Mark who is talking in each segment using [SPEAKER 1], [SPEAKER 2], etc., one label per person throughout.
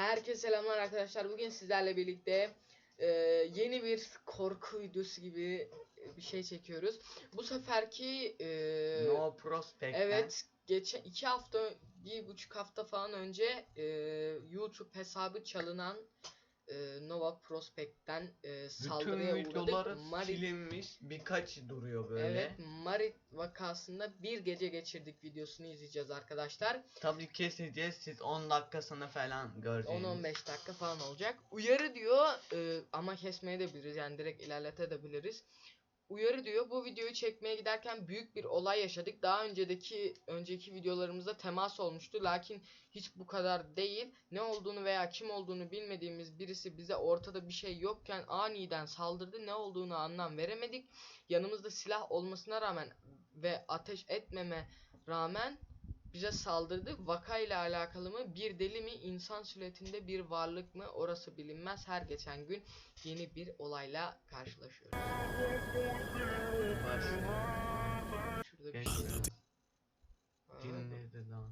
[SPEAKER 1] Herkese selamlar arkadaşlar. Bugün sizlerle birlikte yeni bir korku videosu gibi bir şey çekiyoruz. Bu seferki
[SPEAKER 2] No Prospect'ten.
[SPEAKER 1] evet, geçen 1,5 hafta falan önce YouTube hesabı çalınan Nova Prospect'ten saldırıya
[SPEAKER 2] bütün
[SPEAKER 1] uğradık.
[SPEAKER 2] videoları silinmiş, birkaç duruyor böyle.
[SPEAKER 1] Evet, Marit vakasında bir gece geçirdik videosunu izleyeceğiz arkadaşlar.
[SPEAKER 2] Tabii keseceğiz, siz 10 dakikasını falan göreceğiniz.
[SPEAKER 1] 10-15 dakika falan olacak. Uyarı diyor ama kesmeye de biliriz, yani direkt ilerletebiliriz. Uyarı diyor, bu videoyu çekmeye giderken büyük bir olay yaşadık. Daha önceki videolarımızda temas olmuştu, lakin hiç bu kadar değil. Ne olduğunu veya kim olduğunu bilmediğimiz birisi bize ortada bir şey yokken aniden saldırdı. Ne olduğunu anlam veremedik. Yanımızda silah olmasına rağmen ve ateş etmeme rağmen bize saldırdı. Vakayla alakalı mı, bir deli mi, insan suretinde bir varlık mı, orası bilinmez. Her geçen gün yeni bir olayla karşılaşıyoruz. Şurada bir şey var.
[SPEAKER 2] Dinledi lan.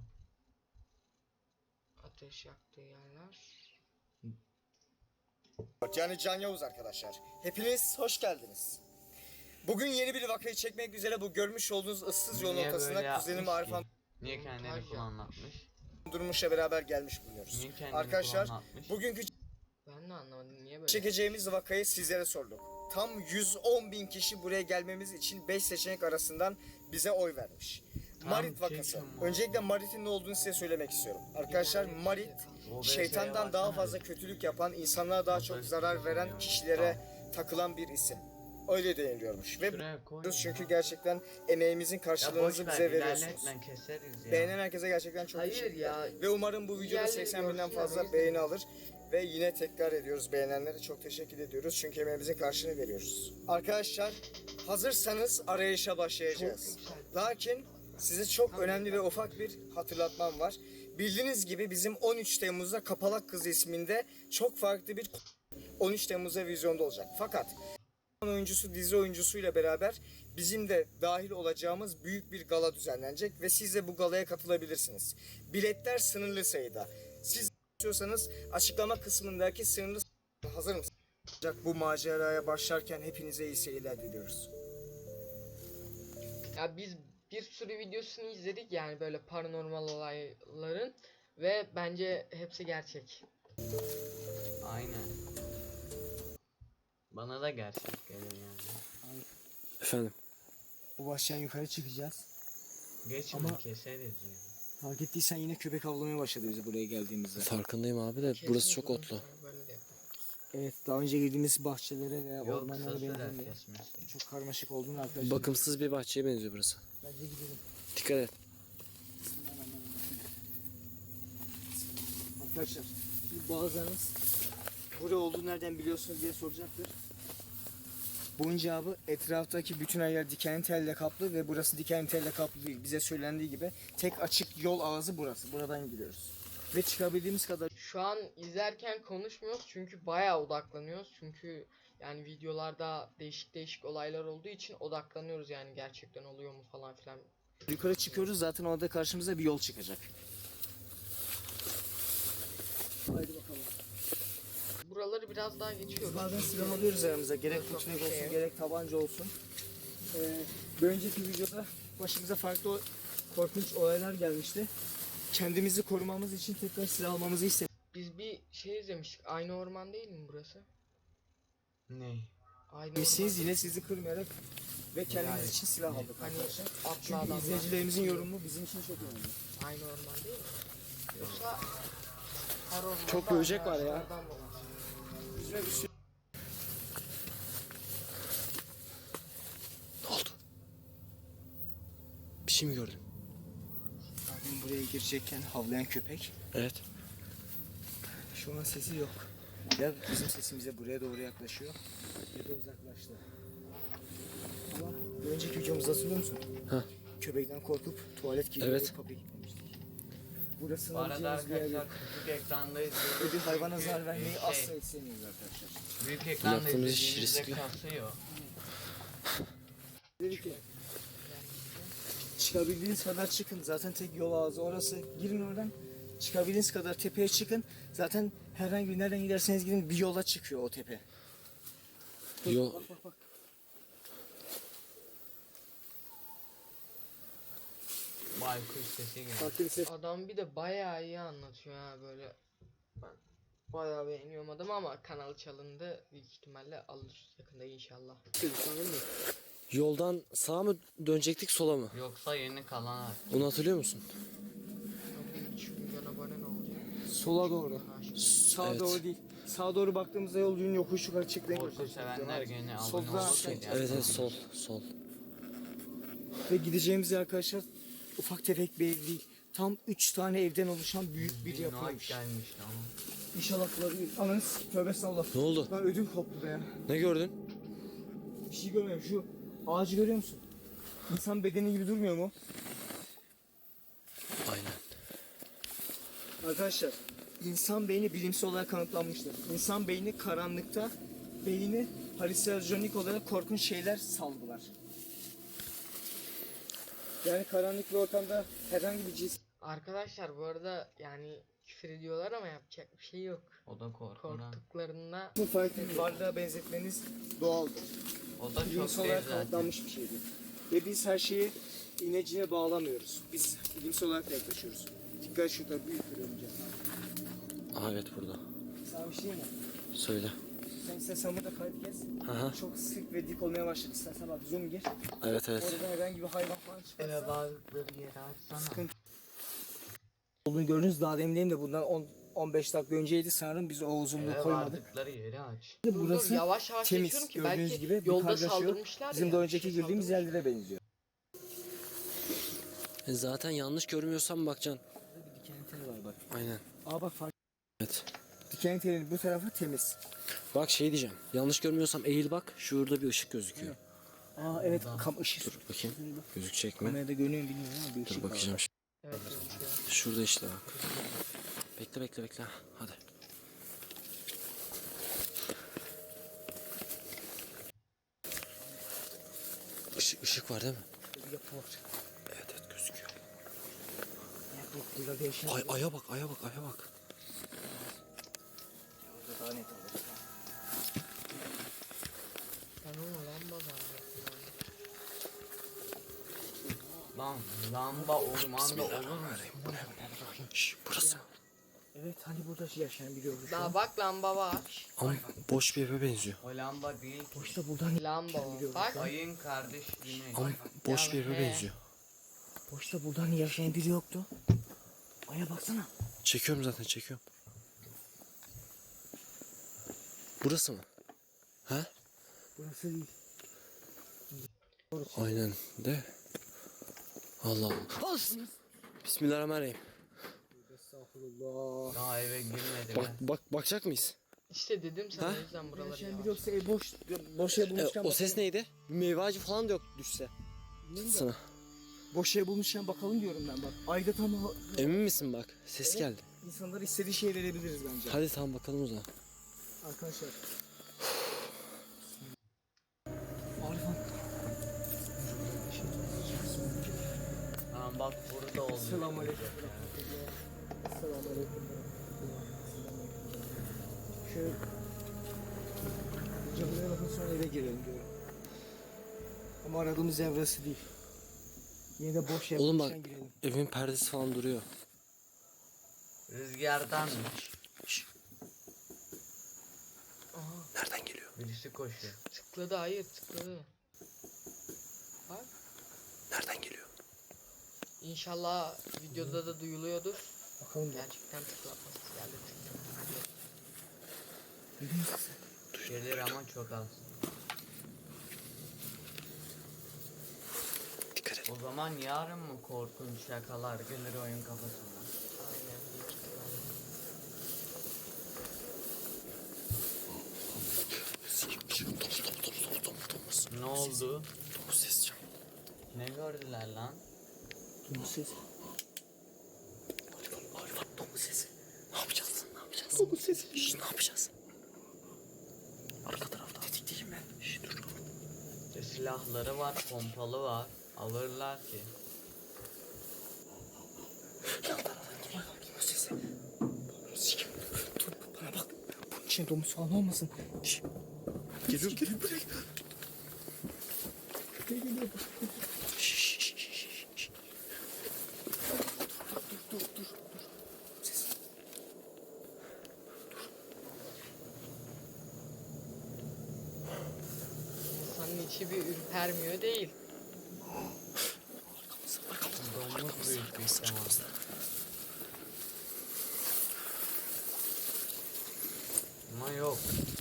[SPEAKER 1] Ateş yaktığı yerler.
[SPEAKER 3] Yani Can Yavuz arkadaşlar. Hepiniz hoş geldiniz. Bugün yeni bir vakayı çekmek üzere bu görmüş olduğunuz ıssız yolun
[SPEAKER 2] Niye
[SPEAKER 3] ortasına
[SPEAKER 2] böyle
[SPEAKER 3] kuzenim
[SPEAKER 2] yapmış
[SPEAKER 3] Arif
[SPEAKER 2] ki? Niye kendini kullanlatmış?
[SPEAKER 3] Durmuş'la beraber gelmiş bulunuyoruz.
[SPEAKER 2] Niye kendini
[SPEAKER 3] Arkadaşlar
[SPEAKER 2] kullanlatmış?
[SPEAKER 3] bugünkü
[SPEAKER 1] Ben de anlamadım niye böyle.
[SPEAKER 3] çekeceğimiz vakayı sizlere sorduk. Tam 110.000 kişi buraya gelmemiz için 5 seçenek arasından bize oy vermiş.
[SPEAKER 2] Tam
[SPEAKER 3] Marit vakası.
[SPEAKER 2] çekim o.
[SPEAKER 3] Öncelikle Marit'in ne olduğunu size söylemek istiyorum. Arkadaşlar Marit
[SPEAKER 2] OBS'ye
[SPEAKER 3] şeytandan daha
[SPEAKER 2] baksana.
[SPEAKER 3] fazla kötülük yapan, insanlara daha çok zarar veren kişilere takılan bir isim. Öyle deniliyormuş ve
[SPEAKER 2] Şuraya koy.
[SPEAKER 3] çünkü gerçekten emeğimizin
[SPEAKER 2] Ya boş
[SPEAKER 3] karşılığınızı
[SPEAKER 2] ver,
[SPEAKER 3] bize veriyorsunuz.
[SPEAKER 2] ilerletmen keseriz ya.
[SPEAKER 3] Beğenen herkese gerçekten çok
[SPEAKER 1] Hayır
[SPEAKER 3] teşekkürler.
[SPEAKER 1] ya.
[SPEAKER 3] Ve umarım bu videoda
[SPEAKER 1] Yerleri
[SPEAKER 3] 80 binden
[SPEAKER 1] görsünler, o
[SPEAKER 3] fazla
[SPEAKER 1] yüzden.
[SPEAKER 3] beğeni alır. Ve yine tekrar ediyoruz, beğenenlere çok teşekkür ediyoruz. Çünkü emeğimizin karşılığını veriyoruz. Arkadaşlar hazırsanız arayışa başlayacağız.
[SPEAKER 1] Çok güzel.
[SPEAKER 3] Lakin size çok önemli ve ufak bir hatırlatmam var. Bildiğiniz gibi bizim 13 Temmuz'da Kapalak Kız isminde çok farklı bir 13 Temmuz'da vizyonda olacak. Fakat oyuncusu, dizi oyuncusuyla beraber bizim de dahil olacağımız büyük bir gala düzenlenecek ve siz de bu galaya katılabilirsiniz. Biletler sınırlı sayıda. Siz istiyorsanız açıklama kısmındaki sınırlı hazır mısınız? Bu maceraya başlarken hepinize iyi seyirler diliyoruz.
[SPEAKER 1] Ya biz bir sürü videosunu izledik, yani böyle paranormal olayların, ve bence hepsi gerçek.
[SPEAKER 2] Aynen. Bana da gerçek geliyor yani.
[SPEAKER 4] Efendim.
[SPEAKER 3] Bu baştan yukarı çıkacağız.
[SPEAKER 2] Geç
[SPEAKER 3] Ama-
[SPEAKER 2] mi keseriz ya.
[SPEAKER 3] Fark ettiysen yine köpek avlamaya başladı bizi buraya geldiğimizde.
[SPEAKER 4] Farkındayım abi de burası çok otlu.
[SPEAKER 1] Böyle de yapalım.
[SPEAKER 3] Evet, daha önce girdiğimiz bahçelere veya
[SPEAKER 2] Yok
[SPEAKER 3] ormanlara
[SPEAKER 2] kısa sürer
[SPEAKER 3] benzemiyor.
[SPEAKER 2] kesmesi.
[SPEAKER 3] Çok karmaşık olduğunu arkadaşlar.
[SPEAKER 4] Bakımsız bir bahçeye benziyor burası.
[SPEAKER 3] Bence gidelim.
[SPEAKER 4] Dikkat et.
[SPEAKER 3] Arkadaşlar, şimdi bazılarınız burada olduğunu nereden biliyorsunuz diye soracaktır. Bunun cevabı etraftaki bütün her yer dikenli telle kaplı ve burası dikenli telle kaplı değil. Bize söylendiği gibi tek açık yol ağzı burası. Buradan giriyoruz. Ve çıkabildiğimiz kadar
[SPEAKER 1] Şu an izlerken konuşmuyoruz çünkü bayağı odaklanıyoruz. Çünkü yani videolarda değişik olaylar olduğu için odaklanıyoruz, yani gerçekten oluyor mu falan filan.
[SPEAKER 3] yukarı çıkıyoruz. Zaten orada karşımıza bir yol çıkacak. Haydi bakalım.
[SPEAKER 1] Buraları biraz daha geçiyoruz.
[SPEAKER 3] Bazen silah alıyoruz aramıza. Gerek
[SPEAKER 1] Çok
[SPEAKER 3] tüfek
[SPEAKER 1] şey
[SPEAKER 3] olsun,
[SPEAKER 1] yok.
[SPEAKER 3] gerek tabanca olsun. Bir önceki videoda başımıza farklı korkunç olaylar gelmişti. Kendimizi korumamız için tekrar silah almamızı istedik.
[SPEAKER 1] Biz bir şey izlemiştik. Aynı orman değil mi burası?
[SPEAKER 2] Ne?
[SPEAKER 1] Aynı
[SPEAKER 3] Biz yine sizi kırmayarak ve kendimiz
[SPEAKER 2] Yani-
[SPEAKER 3] için silah aldık.
[SPEAKER 1] Hani atlı
[SPEAKER 3] Çünkü
[SPEAKER 1] adamlar.
[SPEAKER 3] izleyicilerimizin yorumu bizim için çok önemli.
[SPEAKER 1] Aynı orman değil mi? Yoksa her ormanda
[SPEAKER 3] Çok böcek var ya.
[SPEAKER 1] ağaçlardan mı var?
[SPEAKER 3] Yüzüne bir sürü...
[SPEAKER 4] Ne oldu? Bir şey mi gördün?
[SPEAKER 3] Abim buraya girecekken havlayan köpek.
[SPEAKER 4] Evet.
[SPEAKER 3] Şu an sesi yok. Ya bizim sesimize buraya doğru yaklaşıyor ya da uzaklaştı. Ama bir önceki videomuzu hatırlıyor musun?
[SPEAKER 4] Ha.
[SPEAKER 3] Köpekten korkup tuvalet gibi
[SPEAKER 4] Evet.
[SPEAKER 3] kapıya gitmemiştik. Burası
[SPEAKER 2] Bu arada
[SPEAKER 3] sığınabileceğimiz bir yer yok.
[SPEAKER 2] arkadaşlar küçük ekrandayız.
[SPEAKER 3] Ve bir hayvana
[SPEAKER 2] Çünkü,
[SPEAKER 3] zarar vermeyi
[SPEAKER 2] şey,
[SPEAKER 3] asla istemiyoruz arkadaşlar.
[SPEAKER 2] Büyük ekranda
[SPEAKER 4] Yaptığımız iş
[SPEAKER 2] izlediğinizde
[SPEAKER 4] riskli.
[SPEAKER 2] kasıyor.
[SPEAKER 3] Dedi ki çıkabildiğiniz kadar çıkın. Zaten tek yol ağzı orası. Girin oradan. Çıkabildiğiniz kadar tepeye çıkın. Zaten herhangi bir nereden giderseniz gidin bir yola çıkıyor o tepe.
[SPEAKER 4] Yol,
[SPEAKER 3] Bak.
[SPEAKER 2] Baykuş sesi geliyor.
[SPEAKER 3] Farklı bir ses.
[SPEAKER 1] Adam bir de bayağı iyi anlatıyor ha böyle. Ben bayağı beğeniyorum adamı ama kanalı çalındı. Büyük ihtimalle alır yakında inşallah.
[SPEAKER 4] yoldan sağa mı dönecektik sola mı?
[SPEAKER 2] Yoksa yeni kalan ağaç.
[SPEAKER 4] Onu hatırlıyor musun?
[SPEAKER 1] 1,5 milyon abone ne olacak?
[SPEAKER 3] Sola doğru. Sağa
[SPEAKER 4] Evet.
[SPEAKER 3] doğru değil. Sağa doğru baktığımızda yolcunun yokuş yukarı çıktığını
[SPEAKER 2] Korku
[SPEAKER 3] görüyoruz.
[SPEAKER 2] sevenler gene abone
[SPEAKER 3] Solda
[SPEAKER 2] olsun.
[SPEAKER 3] aşağı-
[SPEAKER 4] Evet evet sol.
[SPEAKER 3] Ve gideceğimiz yer arkadaşlar ufak tefek bir ev değil. Tam 3 tane evden oluşan büyük bir yapıymış.
[SPEAKER 2] gelmiş lan.
[SPEAKER 3] İnşallah bulabilir. Ananız tövbe estağfurullah.
[SPEAKER 4] Ne oldu?
[SPEAKER 3] Ben ödüm koptu be ya.
[SPEAKER 4] Ne gördün?
[SPEAKER 3] Bir şey görmüyorum. Şu ağacı görüyor musun? İnsan bedeni gibi durmuyor mu?
[SPEAKER 4] Aynen.
[SPEAKER 3] Arkadaşlar insan beyni bilimsel olarak kanıtlanmıştır. İnsan beyni karanlıkta beyni halüsinojenik olarak korkunç şeyler salgılar. Yani karanlık bir ortamda herhangi bir cins
[SPEAKER 1] Arkadaşlar bu arada yani küfür ediyorlar ama yapacak bir şey yok.
[SPEAKER 2] O da korkudan.
[SPEAKER 1] Korktuklarında
[SPEAKER 3] farklı bir varlığa benzetmeniz doğaldır.
[SPEAKER 2] O da çok
[SPEAKER 3] Bilimsel
[SPEAKER 2] değil
[SPEAKER 3] olarak
[SPEAKER 2] zaten.
[SPEAKER 3] kanıtlanmış bir şeydir. Ve biz her şeyi inecine bağlamıyoruz. Biz bilimsel olarak yaklaşıyoruz. Dikkat şurada büyük bir örümcek.
[SPEAKER 4] Aha evet burada.
[SPEAKER 3] Sana bir şey mi?
[SPEAKER 4] Söyle.
[SPEAKER 3] Sen istersen burada kayıt kes.
[SPEAKER 4] Aha.
[SPEAKER 3] Çok sık ve dik olmaya başladı. İstersen bak zoom gir.
[SPEAKER 4] Evet evet.
[SPEAKER 3] Orada herhangi bir hayvan falan çıkarsa
[SPEAKER 2] bazıları yeri açsana.
[SPEAKER 3] sıkıntı olduğunu gördünüz. Daha demin de bundan 15 dakika önceydi sanırım. Biz o uzunluğu
[SPEAKER 2] Eve
[SPEAKER 3] koymadık.
[SPEAKER 2] vardıkları yeri aç.
[SPEAKER 3] Burası
[SPEAKER 1] yavaş yavaş
[SPEAKER 3] temiz.
[SPEAKER 1] geçiyorum ki
[SPEAKER 3] Gördüğünüz
[SPEAKER 1] belki
[SPEAKER 3] gibi bir
[SPEAKER 1] yolda
[SPEAKER 3] kargaşa yok.
[SPEAKER 1] saldırmışlar
[SPEAKER 3] Bizim
[SPEAKER 1] ya,
[SPEAKER 3] de
[SPEAKER 1] bir
[SPEAKER 3] önceki
[SPEAKER 1] şey
[SPEAKER 3] girdiğimiz
[SPEAKER 1] saldırmışlar.
[SPEAKER 3] yerlere benziyor.
[SPEAKER 4] Zaten yanlış görmüyorsam bakacaksın.
[SPEAKER 3] Burada bir diken teli var bak.
[SPEAKER 4] Aynen.
[SPEAKER 3] Aa bak fark.
[SPEAKER 4] Evet.
[SPEAKER 3] Diken telinin bu tarafı temiz.
[SPEAKER 4] Bak şey diyeceğim. Yanlış görmüyorsam eğil bak. Şurada bir ışık gözüküyor.
[SPEAKER 3] Aa evet kam ışık.
[SPEAKER 4] Dur bakayım. Gözükecek mi?
[SPEAKER 3] Kamerada görünüyor mu bilmiyorum ama bir ışık
[SPEAKER 4] Dur
[SPEAKER 3] var.
[SPEAKER 4] bakacağım.
[SPEAKER 1] Evet gözüküyor.
[SPEAKER 4] Şurada işte bak. Bekle. Hadi. Işık var değil mi?
[SPEAKER 3] Bir yapı var.
[SPEAKER 4] Evet gözüküyor.
[SPEAKER 3] Yok, burada değişen.
[SPEAKER 4] Aya bak.
[SPEAKER 3] Burada daha net olur.
[SPEAKER 1] Ben onu lamba zannettim.
[SPEAKER 2] Lan lamba ormanda olur mu?
[SPEAKER 4] Şş, burası.
[SPEAKER 3] Evet hani burada yaşayan biri olur.
[SPEAKER 1] Daha bak lamba var.
[SPEAKER 4] Ama boş bir eve benziyor.
[SPEAKER 2] O lamba değil.
[SPEAKER 3] Boşta buradan
[SPEAKER 1] Lamba o. Bak.
[SPEAKER 2] Ayın kardeş güneş.
[SPEAKER 4] Ama boş
[SPEAKER 1] Ya
[SPEAKER 4] bir eve
[SPEAKER 1] he.
[SPEAKER 4] benziyor.
[SPEAKER 3] boşta buradan yaşayan biri yoktu. Aya baksana.
[SPEAKER 4] Çekiyorum zaten çekiyorum. Burası mı? He?
[SPEAKER 3] Burası değil.
[SPEAKER 4] Aynen de. Allah Allah. Bismillahirrahmanirrahim.
[SPEAKER 3] Estağfurullah.
[SPEAKER 2] Daha eve girmedi be.
[SPEAKER 4] Bakacak mıyız?
[SPEAKER 1] İşte dedim sana
[SPEAKER 4] Ha?
[SPEAKER 1] o yüzden buraları
[SPEAKER 3] Yaşayan
[SPEAKER 1] yavaş.
[SPEAKER 3] biri yoksa boş ev bulmuşken
[SPEAKER 4] O ses neydi? Bir meyve ağacı falan da yok düşse. Sana.
[SPEAKER 3] Boş ev bulmuşken bakalım diyorum ben bak. Ayda tam
[SPEAKER 4] Emin misin bak? Ses
[SPEAKER 3] Evet.
[SPEAKER 4] geldi.
[SPEAKER 3] insanlara istediği şeyi verebiliriz bence.
[SPEAKER 4] Hadi tamam bakalım o zaman.
[SPEAKER 3] Arkadaşlar. Arifan.
[SPEAKER 2] Tamam bak burada oldu.
[SPEAKER 3] Selamünaleyküm. Selamünaleyküm. Şöyle cadılara bakın sonra eve girelim diyorum. Ama aradığımız ev burası değil. Yine de boş ev
[SPEAKER 4] Oğlum
[SPEAKER 3] bulmuşken
[SPEAKER 4] bak.
[SPEAKER 3] girelim.
[SPEAKER 4] Evin perdesi falan duruyor.
[SPEAKER 2] Rüzgardan
[SPEAKER 4] Nereden geliyor?
[SPEAKER 2] birisi koşuyor.
[SPEAKER 1] Tıkladı hayır tıkladı. Bak.
[SPEAKER 4] Nereden geliyor?
[SPEAKER 1] İnşallah videoda da duyuluyordur.
[SPEAKER 3] Bakalım ya.
[SPEAKER 1] Gerçekten tıklatması geldi.
[SPEAKER 2] Gelir ama çok az.
[SPEAKER 4] Dikkat et.
[SPEAKER 2] O zaman yarın mı korkunç şakalar gelir oyun kafasına?
[SPEAKER 1] Aynen büyük ihtimalle.
[SPEAKER 2] Ne oldu?
[SPEAKER 4] Domuz ses canım.
[SPEAKER 2] Ne gördüler lan?
[SPEAKER 3] Domuz sesi.
[SPEAKER 4] Domuz sesi. Ne yapacağız? Domuz sesi. Şş, ne yapacağız? Arka tarafta. Tetikteyim ben. Şş, dur.
[SPEAKER 2] Silahları var, pompalı var. Alırlar ki.
[SPEAKER 4] Yan taraftan geliyor. Domuz sesi.
[SPEAKER 3] İçine domuz falan olmasın. Şşş.
[SPEAKER 4] Geliyor geliyor buraya.
[SPEAKER 3] Geliyor.
[SPEAKER 1] İnsanın içi bir ürpermiyor değil.
[SPEAKER 2] Domuz büyük bir ihtimal. Ama yok.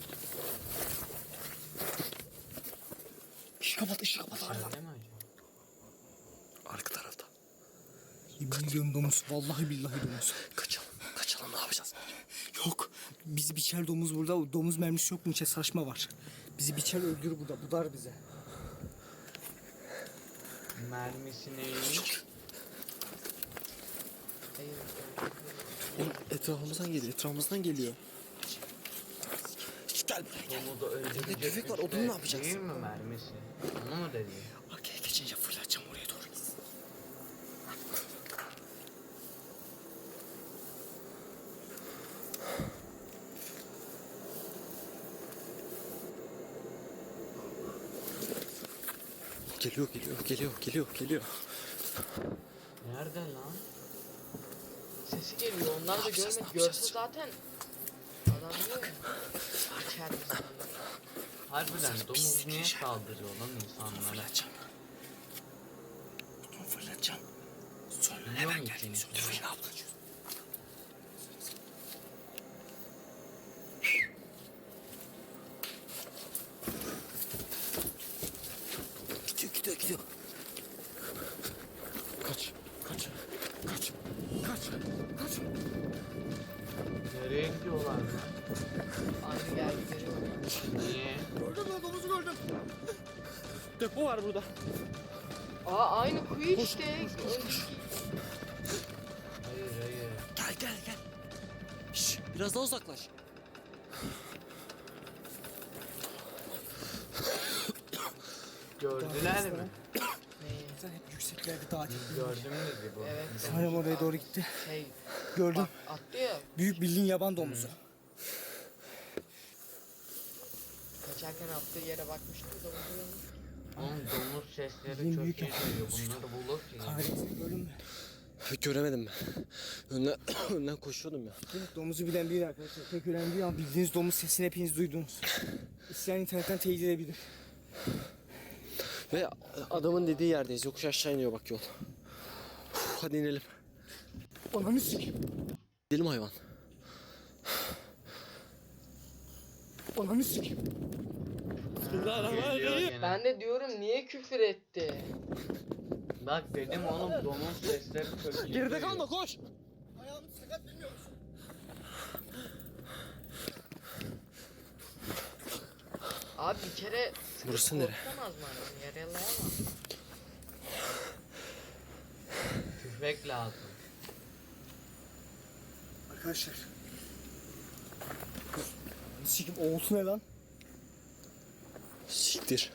[SPEAKER 3] Işığı kapat, ışığı kapat.
[SPEAKER 2] İçeride mi acaba?
[SPEAKER 4] Arka tarafta.
[SPEAKER 3] Yemin ediyorum domuz. Vallahi billahi domuz.
[SPEAKER 4] Kaçalım. Kaçalım ne yapacağız?
[SPEAKER 3] Yok. Bizi biçer domuz burada. Domuz mermisi yok mu? İçe saçma var. Bizi biçer öldürür burada. Budar bize.
[SPEAKER 2] Mermisi neymiş?
[SPEAKER 1] Hayır.
[SPEAKER 4] Oğlum etrafımızdan geliyor. Etrafımızdan geliyor. Gel buraya.
[SPEAKER 2] Domuzu öldürecek
[SPEAKER 4] Elinde tüfek var,
[SPEAKER 2] güçte
[SPEAKER 4] odunu ne yapacaksın?
[SPEAKER 2] Değil mi mermisi? Onu mu dedi?
[SPEAKER 4] Arkaya geçince fırlatacağım oraya doğru. Geliyor.
[SPEAKER 2] Nerede lan?
[SPEAKER 1] Sesi geliyor. Onlar da
[SPEAKER 4] yapacağız,
[SPEAKER 1] görmek.
[SPEAKER 4] ne yapacağız?
[SPEAKER 1] Görse zaten adam diyor ya. İçer bizi.
[SPEAKER 2] Harbiden domuz
[SPEAKER 4] pislik
[SPEAKER 2] niye
[SPEAKER 4] yaşa.
[SPEAKER 2] saldırıyor lan insanlara?
[SPEAKER 4] Fırlatacağım. Sonra
[SPEAKER 2] Biliyor
[SPEAKER 4] hemen
[SPEAKER 2] musun
[SPEAKER 4] geldiğini
[SPEAKER 2] içini?
[SPEAKER 4] söyle. Tüfeğini abla. Gidiyor. Kaç.
[SPEAKER 2] Nereye gidiyorlar lan?
[SPEAKER 1] Aynı geldikleri var.
[SPEAKER 2] Niye?
[SPEAKER 3] Gördün mü? Domuzu gördüm.
[SPEAKER 4] Depo var burada.
[SPEAKER 1] Aa aynı kuyu işte. Önceki-
[SPEAKER 2] Hayır.
[SPEAKER 4] Gel. Şş, biraz daha uzaklaş.
[SPEAKER 2] Gördüler mi?
[SPEAKER 1] Neyi?
[SPEAKER 3] Sen hep yükseklerde dağ tepkileri.
[SPEAKER 2] Gördünüz mü bu?
[SPEAKER 1] Evet.
[SPEAKER 3] Sanırım oraya doğru gitti.
[SPEAKER 1] Şey
[SPEAKER 3] Gördüm.
[SPEAKER 1] bak attı ya.
[SPEAKER 3] Büyük bildiğin yaban domuzu.
[SPEAKER 1] Kaçarken attığı yere bakmıştı da
[SPEAKER 2] Oğlum domuz sesleri
[SPEAKER 3] Bizim
[SPEAKER 2] çok
[SPEAKER 3] büyük
[SPEAKER 2] iyi geliyor. Bunları bulur ki.
[SPEAKER 3] Kahretsin gördün mü?
[SPEAKER 4] Göremedim ben. Önden koşuyordum ya.
[SPEAKER 3] Evet, domuzu bilen biri arkadaşlar. Pek önemli değil ama bildiğiniz domuz sesini hepiniz duydunuz. İsteyen internetten teyit edebilir.
[SPEAKER 4] Ve adamın dediği yerdeyiz. Yokuş aşağı iniyor bak yol. Hadi inelim.
[SPEAKER 3] Ananı sikeyim.
[SPEAKER 4] Gidelim hayvan.
[SPEAKER 3] Ananı sikeyim.
[SPEAKER 2] Geliyor gene.
[SPEAKER 1] ben de diyorum niye küfür etti?
[SPEAKER 2] Bak dedim oğlum domuz sesleri çok iyi
[SPEAKER 4] Geride
[SPEAKER 2] geliyor.
[SPEAKER 4] kalma koş.
[SPEAKER 3] Ayağım sakat bilmiyor musun?
[SPEAKER 1] Abi bir kere
[SPEAKER 4] Burası nere?
[SPEAKER 1] korktamaz mı adam? Yaralayamaz.
[SPEAKER 2] Tüfek lazım.
[SPEAKER 3] Arkadaşlar. Sikim oğultu ne lan?
[SPEAKER 4] Siktir.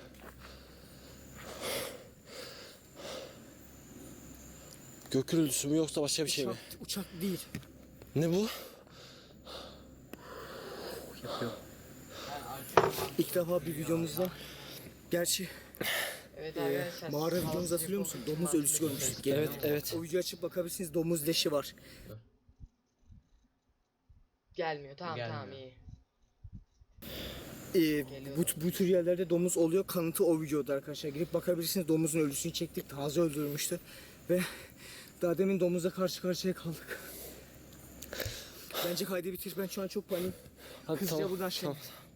[SPEAKER 4] Gök gürültüsü mü yoksa başka bir şey mi?
[SPEAKER 3] Uçak değil.
[SPEAKER 4] Ne bu?
[SPEAKER 3] İlk defa bir videomuzda. Gerçi
[SPEAKER 1] Evet arkadaşlar.
[SPEAKER 3] mağara
[SPEAKER 1] sağlıklı
[SPEAKER 3] videomuzu hatırlıyor musun?
[SPEAKER 1] konuşma
[SPEAKER 3] Domuz ölüsü
[SPEAKER 1] hakkında
[SPEAKER 3] görmüştük.
[SPEAKER 4] Evet, evet.
[SPEAKER 3] O videoyu açıp bakabilirsiniz. Domuz leşi var.
[SPEAKER 1] Gelmiyor. Tamam
[SPEAKER 2] Gelmiyor.
[SPEAKER 1] iyi.
[SPEAKER 3] Bu tür yerlerde domuz oluyor. Kanıtı o videoda arkadaşlar. Girip bakabilirsiniz. Domuzun ölüsünü çektik. Taze öldürülmüştü. Ve daha demin domuzla karşı karşıya kaldık. Bence kaydı bitir. Ben şu an çok panik.
[SPEAKER 4] Hadi
[SPEAKER 3] Hızlıca buradan şey.
[SPEAKER 4] tamam.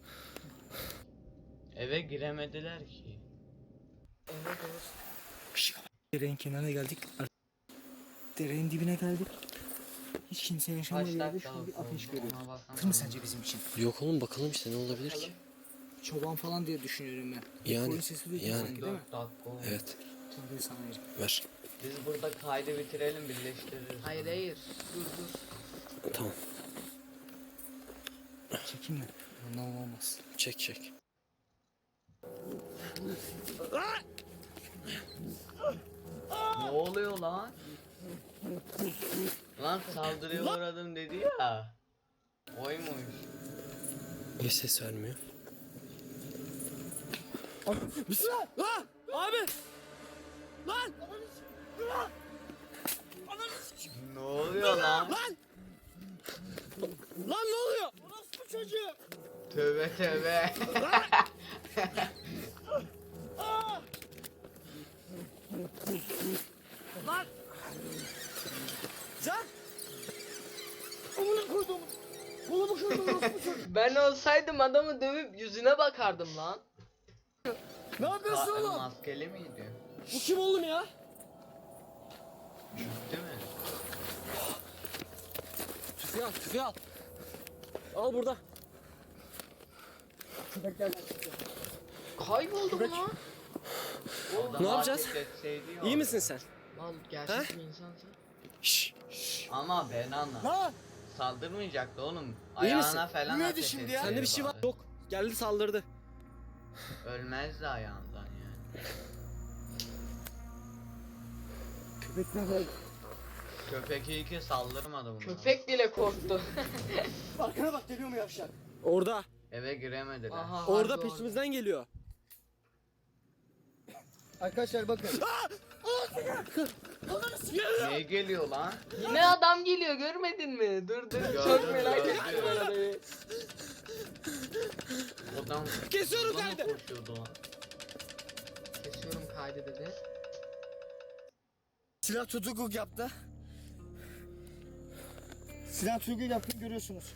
[SPEAKER 2] Eve giremediler ki.
[SPEAKER 1] Evet evet.
[SPEAKER 3] Derenin kenarına geldik. Derenin dibine geldik. Hiç kimsenin yaşamadığı
[SPEAKER 2] Kaç
[SPEAKER 3] yerde
[SPEAKER 2] dakika
[SPEAKER 3] şu an bir
[SPEAKER 2] oldu?
[SPEAKER 3] ateş görüyoruz.
[SPEAKER 2] Ona baksana.
[SPEAKER 3] Tır mı sence bizim için?
[SPEAKER 4] Yok oğlum bakalım işte ne olabilir ki?
[SPEAKER 3] Çoban falan diye düşünüyorum ben.
[SPEAKER 4] Yani,
[SPEAKER 3] Koyun sesi duydum
[SPEAKER 4] yani.
[SPEAKER 3] sanki değil mi?
[SPEAKER 2] 4 dakika oldu.
[SPEAKER 4] Evet
[SPEAKER 3] Tabii sana verim.
[SPEAKER 4] ver.
[SPEAKER 2] Biz burada kaydı bitirelim birleştiririz.
[SPEAKER 1] Hayır. Dur.
[SPEAKER 4] Tamam
[SPEAKER 3] Çekeyim mi? Ondan olmaz.
[SPEAKER 4] çek.
[SPEAKER 2] Ne oluyor lan? Lan saldırıya uğradım dedi ya. Oymuş.
[SPEAKER 4] Niye ses vermiyor? Bismillah! Lan! Abi! Lan!
[SPEAKER 2] Ne oluyor lan?
[SPEAKER 4] Lan! Lan ne oluyor? Orospu çocuğu!
[SPEAKER 2] Tövbe tövbe.
[SPEAKER 4] Lan! Can! Amına koydum. Kolumu kırdım orospu çocuğu.
[SPEAKER 1] Ben olsaydım adamı dövüp yüzüne bakardım lan.
[SPEAKER 4] Ne yapıyorsun oğlum?
[SPEAKER 2] Maskeli miydi?
[SPEAKER 4] Bu kim oğlum ya?
[SPEAKER 2] Değil mi?
[SPEAKER 4] Tüfeği al, tüfeği al. Al burada.
[SPEAKER 1] Kayboldu bu lan.
[SPEAKER 2] O da
[SPEAKER 4] Ne yapacağız?
[SPEAKER 2] market etseydi ya.
[SPEAKER 4] İyi misin sen?
[SPEAKER 1] Lan gerçek bir insansın.
[SPEAKER 4] Şşş.
[SPEAKER 2] Ama ben anla.
[SPEAKER 3] Lan!
[SPEAKER 2] Saldırmayacaktı oğlum.
[SPEAKER 4] İyi misin?
[SPEAKER 2] Ayağına falan
[SPEAKER 3] Neydi
[SPEAKER 2] ateş
[SPEAKER 3] şimdi ya?
[SPEAKER 4] Sende bir şey var. Yok. Geldi saldırdı.
[SPEAKER 2] Ölmezdi ayağından yani.
[SPEAKER 3] Köpekler var.
[SPEAKER 2] Köpek iyi ki saldırmadı bunu.
[SPEAKER 1] Köpek bile korktu.
[SPEAKER 3] Arkana bak, geliyor mu yavşak?
[SPEAKER 4] Orada.
[SPEAKER 2] Eve giremediler.
[SPEAKER 1] Aha,
[SPEAKER 4] Orada
[SPEAKER 1] harbi
[SPEAKER 4] peşimizden geliyor.
[SPEAKER 3] Arkadaşlar bakın.
[SPEAKER 2] Niye geliyor lan?
[SPEAKER 1] Yine adam geliyor, görmedin mi? Dur dur, çok
[SPEAKER 2] Gördüm,
[SPEAKER 1] merak
[SPEAKER 2] gördüm.
[SPEAKER 1] ettim ben orayı.
[SPEAKER 2] Adam
[SPEAKER 4] Kesiyorum
[SPEAKER 2] bana
[SPEAKER 4] kaydı.
[SPEAKER 2] koşuyordu lan.
[SPEAKER 1] Kesiyorum kaydı dedi.
[SPEAKER 3] Silah tutukluk yaptı. Silah tutukluk yaptığını görüyorsunuz.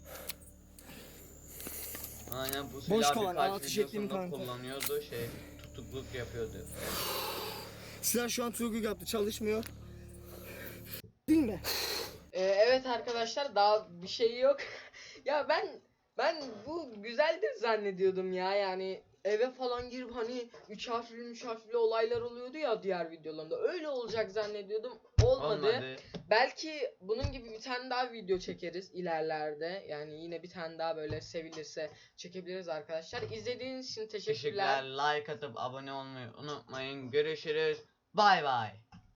[SPEAKER 2] Aynen bu
[SPEAKER 3] Boş
[SPEAKER 2] silah
[SPEAKER 3] kovan,
[SPEAKER 2] birkaç
[SPEAKER 3] atış ettiğim
[SPEAKER 2] videosunda
[SPEAKER 3] kanka.
[SPEAKER 2] kullanıyordu tutukluk yapıyordu.
[SPEAKER 3] Silah şu an tutukluk yaptı, çalışmıyor. Değil mi?
[SPEAKER 1] Evet arkadaşlar, daha bir şey yok. Ya ben bu güzeldir zannediyordum ya, yani eve falan girip hani 3 harfli olaylar oluyordu ya diğer videolarında, öyle olacak zannediyordum. Olmadı. Belki bunun gibi bir tane daha video çekeriz ilerlerde. Yani yine bir tane daha böyle sevilirse çekebiliriz arkadaşlar. İzlediğiniz için teşekkürler.
[SPEAKER 2] Teşekkürler. Like atıp abone olmayı unutmayın. Görüşürüz. Bay bay.